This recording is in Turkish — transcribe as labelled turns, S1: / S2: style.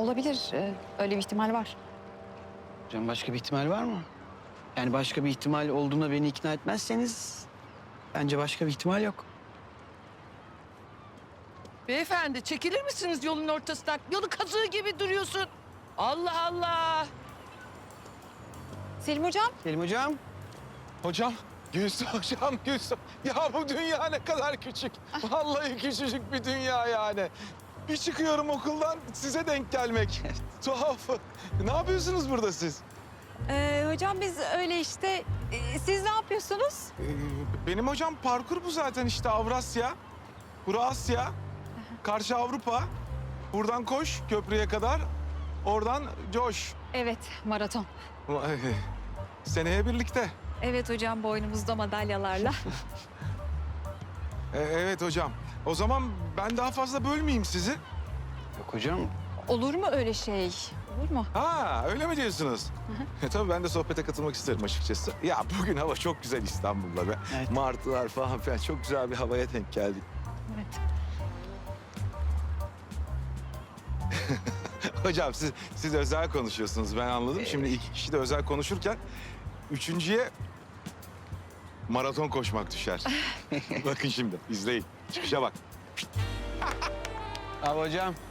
S1: Olabilir. Öyle bir ihtimal var.
S2: Hocam başka bir ihtimal var mı? Yani başka bir ihtimal olduğuna beni ikna etmezseniz bence başka bir ihtimal yok.
S3: Beyefendi çekilir misiniz yolun ortasından? Yolu kazığı gibi duruyorsun. Allah Allah.
S1: Selim hocam.
S2: Selim hocam.
S4: Hocam, Gülsüm hocam, Gülsüm. Ya bu dünya ne kadar küçük. Vallahi küçücük bir dünya yani. Bir çıkıyorum okuldan size denk gelmek. Tuhaf. Ne yapıyorsunuz burada siz?
S1: Hocam biz öyle işte. Siz ne yapıyorsunuz?
S4: Benim hocam parkur bu zaten işte Avrasya. Bura Asya. Karşı Avrupa. Buradan koş köprüye kadar. Oradan coş.
S1: Evet, maraton.
S4: Seneye birlikte.
S1: Evet hocam, boynumuzda madalyalarla.
S4: Evet hocam. O zaman ben daha fazla bölmeyeyim sizi.
S2: Yok hocam.
S1: Olur mu öyle şey? Olur mu?
S4: Ha öyle mi diyorsunuz? Tabii ben de sohbete katılmak isterim açıkçası. Ya bugün hava çok güzel İstanbul'da be.
S2: Evet.
S4: Martılar falan filan çok güzel bir havaya denk geldik.
S1: Evet.
S4: Hocam siz özel konuşuyorsunuz ben anladım. Şimdi iki kişi de özel konuşurken üçüncüye maraton koşmak düşer. Bakın şimdi izleyin. Çıkışa bak.
S2: Abi hocam.